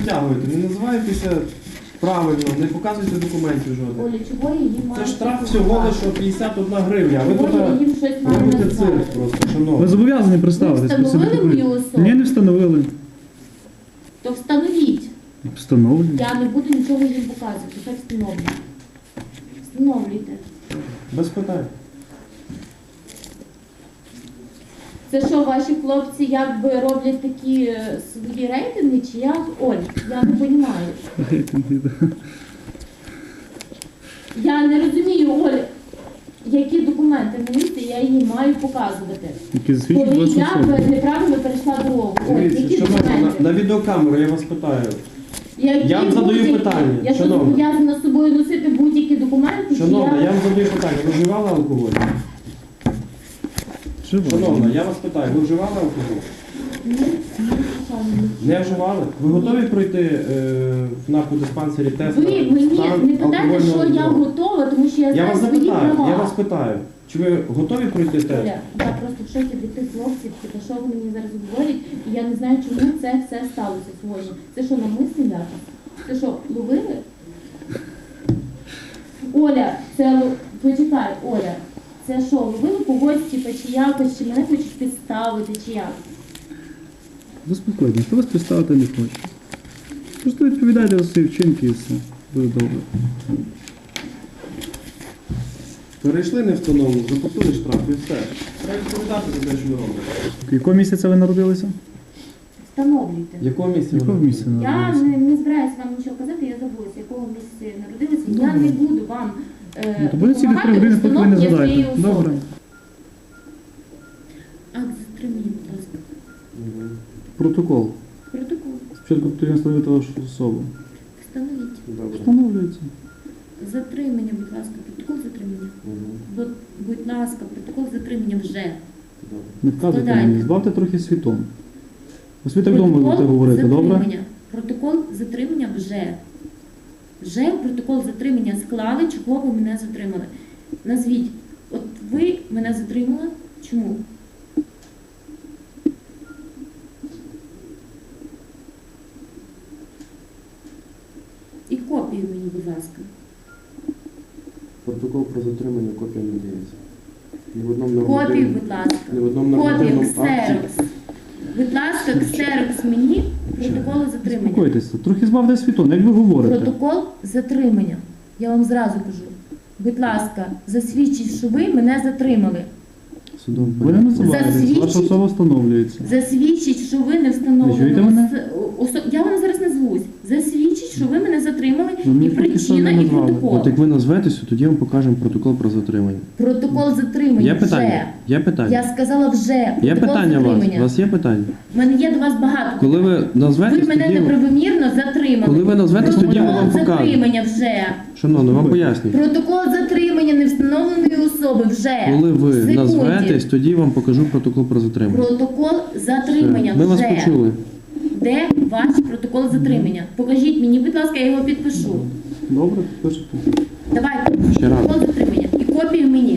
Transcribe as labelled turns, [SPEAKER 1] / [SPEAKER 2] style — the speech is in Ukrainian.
[SPEAKER 1] витягуєте, не називаєтеся правильно, не показуйте документів жодних.
[SPEAKER 2] Оля, чого її має?
[SPEAKER 1] Це штраф всього лише 51 гривня. А ви тут робите цирк просто,
[SPEAKER 3] Ви
[SPEAKER 1] шановні.
[SPEAKER 3] зобов'язані представитись.
[SPEAKER 2] Ви встановили
[SPEAKER 3] просити
[SPEAKER 2] мою
[SPEAKER 3] документи.
[SPEAKER 2] особу?
[SPEAKER 3] Ні, не встановили.
[SPEAKER 2] То встановіть.
[SPEAKER 3] Встановлюю.
[SPEAKER 2] Я не буду нічого їм показувати, хай встановлюють. Встановлюйте.
[SPEAKER 1] Без питань.
[SPEAKER 2] Це що, ваші хлопці якби роблять такі свої рейтинги, чи як? Оль, я не розумію. Я не розумію, Оль, які документи на місці я її маю показувати.
[SPEAKER 3] Які засвідчують
[SPEAKER 2] Коли
[SPEAKER 3] вашу
[SPEAKER 2] я
[SPEAKER 3] особу.
[SPEAKER 2] неправильно перейшла дорогу. Оль,
[SPEAKER 1] Дивіться,
[SPEAKER 2] які
[SPEAKER 1] шановна,
[SPEAKER 2] документи?
[SPEAKER 1] на відеокамеру я вас питаю.
[SPEAKER 2] Які
[SPEAKER 1] Я вам задаю
[SPEAKER 2] будь-які?
[SPEAKER 1] питання,
[SPEAKER 2] Я що
[SPEAKER 1] шановна.
[SPEAKER 2] зобов'язана з собою носити будь-які документи?
[SPEAKER 1] Шановна, я вам задаю питання. Ви вживали алкоголь? Шановна, я вас питаю, ви вживали алкоголь?
[SPEAKER 2] Ні, звичайно.
[SPEAKER 1] Не вживали? Ви готові пройти в наркодиспансері тест
[SPEAKER 2] Ви
[SPEAKER 1] на
[SPEAKER 2] мені
[SPEAKER 1] стан
[SPEAKER 2] не питайте,
[SPEAKER 1] алкогольного
[SPEAKER 2] що я
[SPEAKER 1] вживання?
[SPEAKER 2] готова, тому що я
[SPEAKER 1] Я
[SPEAKER 2] знаю
[SPEAKER 1] вас
[SPEAKER 2] свої
[SPEAKER 1] запитаю,
[SPEAKER 2] права.
[SPEAKER 1] я вас питаю, чи ви готові пройти тест?
[SPEAKER 2] Оля, я просто в шокі від тих хлопців, типу, що вони мені зараз говорять, і я не знаю, чому це все сталося сьогодні. Це що, навмисний ляпас? Це що, ловили? Оля, почекай, Оля, це що, ловили когось, типу, чи якось, чи мене хочуть підставити, чи як?
[SPEAKER 3] Заспокойтесь, хто вас представити не хоче. Просто відповідайте за свої вчинки і все. Буде добре.
[SPEAKER 1] Перейшли не встановлено, заплатили штраф і все. Треба відповідати за те, що ви робите.
[SPEAKER 3] Якого місяця ви народилися?
[SPEAKER 2] Встановлюйте.
[SPEAKER 1] Якого місця ви
[SPEAKER 3] Якого
[SPEAKER 1] народилися?
[SPEAKER 3] місяця
[SPEAKER 2] Я
[SPEAKER 3] народилися?
[SPEAKER 2] не збираюся вам нічого казати, я забулася, якого місяця народилася. Я не буду вам
[SPEAKER 3] Ну, то буде ці 3
[SPEAKER 2] допомагати
[SPEAKER 3] години, поки ви не
[SPEAKER 2] встановлення своєї
[SPEAKER 3] згадаєте.
[SPEAKER 2] особи.
[SPEAKER 3] Добре.
[SPEAKER 2] Акт затримання, будь ласка.
[SPEAKER 3] Протокол.
[SPEAKER 2] Протокол.
[SPEAKER 3] Спочатку потрібно встановити вашу особу.
[SPEAKER 2] Встановіть.
[SPEAKER 1] Добре.
[SPEAKER 3] Встановлюється.
[SPEAKER 2] Затримання, будь ласка, протокол затримання. Будь ласка, протокол затримання вже.
[SPEAKER 3] Не вказуйте
[SPEAKER 2] Складайте.
[SPEAKER 3] мені, збавте трохи світом. Ось ви так довго будете говорити, добре?
[SPEAKER 2] затримання. Протокол затримання вже. Вже протокол затримання склали, чого ви мене затримали. Назвіть, от ви мене затримали, чому? І копію мені, будь ласка.
[SPEAKER 1] Протокол про затримання, копія не дається. Ні в одному
[SPEAKER 2] Копію,
[SPEAKER 1] нормативному-
[SPEAKER 2] будь ласка.
[SPEAKER 1] ні в одному
[SPEAKER 2] Копію,
[SPEAKER 1] нормативному акті.
[SPEAKER 2] ксерокс. Будь ласка, ксерокс мені, протоколи затримання.
[SPEAKER 3] Заспокойтеся, трохи збавте світом, як ви говорите.
[SPEAKER 2] Протокол затримання. Я вам зразу кажу. Будь ласка, засвідчіть, що ви мене затримали.
[SPEAKER 1] Судом
[SPEAKER 3] Ви не називаєтесь,
[SPEAKER 2] Засвідчіть.
[SPEAKER 3] ваша особа встановлюється.
[SPEAKER 2] Засвідчіть, що ви не
[SPEAKER 3] Ви чуєте
[SPEAKER 2] встановлено.
[SPEAKER 3] мене?
[SPEAKER 2] Я вам зараз назвусь. Засвідчіть, що ви мене затримали,
[SPEAKER 3] Ви мені
[SPEAKER 2] і
[SPEAKER 3] поки що
[SPEAKER 2] причина,
[SPEAKER 3] не
[SPEAKER 2] і
[SPEAKER 3] назвали.
[SPEAKER 2] протокол.
[SPEAKER 1] От як ви назветеся, тоді я вам покажемо протокол про затримання.
[SPEAKER 2] Протокол затримання
[SPEAKER 1] Є
[SPEAKER 2] вже.
[SPEAKER 1] питання? Є питання?
[SPEAKER 2] Я сказала вже.
[SPEAKER 1] Є
[SPEAKER 2] Протокол
[SPEAKER 1] питання у вас?
[SPEAKER 2] затримання.
[SPEAKER 1] У вас є питання?
[SPEAKER 2] У мене є до вас багато.
[SPEAKER 1] Коли ви
[SPEAKER 2] Ви
[SPEAKER 1] назветесь,
[SPEAKER 2] мене
[SPEAKER 1] тоді...
[SPEAKER 2] неправомірно затримали.
[SPEAKER 1] Коли ви назветесь, тоді ми вам
[SPEAKER 2] Протокол
[SPEAKER 1] покажемо.
[SPEAKER 2] затримання вже.
[SPEAKER 1] Шановно, вам пояснюю.
[SPEAKER 2] Протокол затримання невстановленої особи вже.
[SPEAKER 1] Коли ви
[SPEAKER 2] Секунді.
[SPEAKER 1] назветесь, тоді вам покажу протокол про затримання.
[SPEAKER 2] Протокол затримання
[SPEAKER 1] Ми вас
[SPEAKER 2] вже.
[SPEAKER 1] почули.
[SPEAKER 2] Де ваш протокол затримання? Покажіть мені, будь ласка, я його підпишу.
[SPEAKER 3] Добре, пишете.
[SPEAKER 2] Давайте.
[SPEAKER 1] Ще раз.
[SPEAKER 2] Протокол затримання. І копію мені.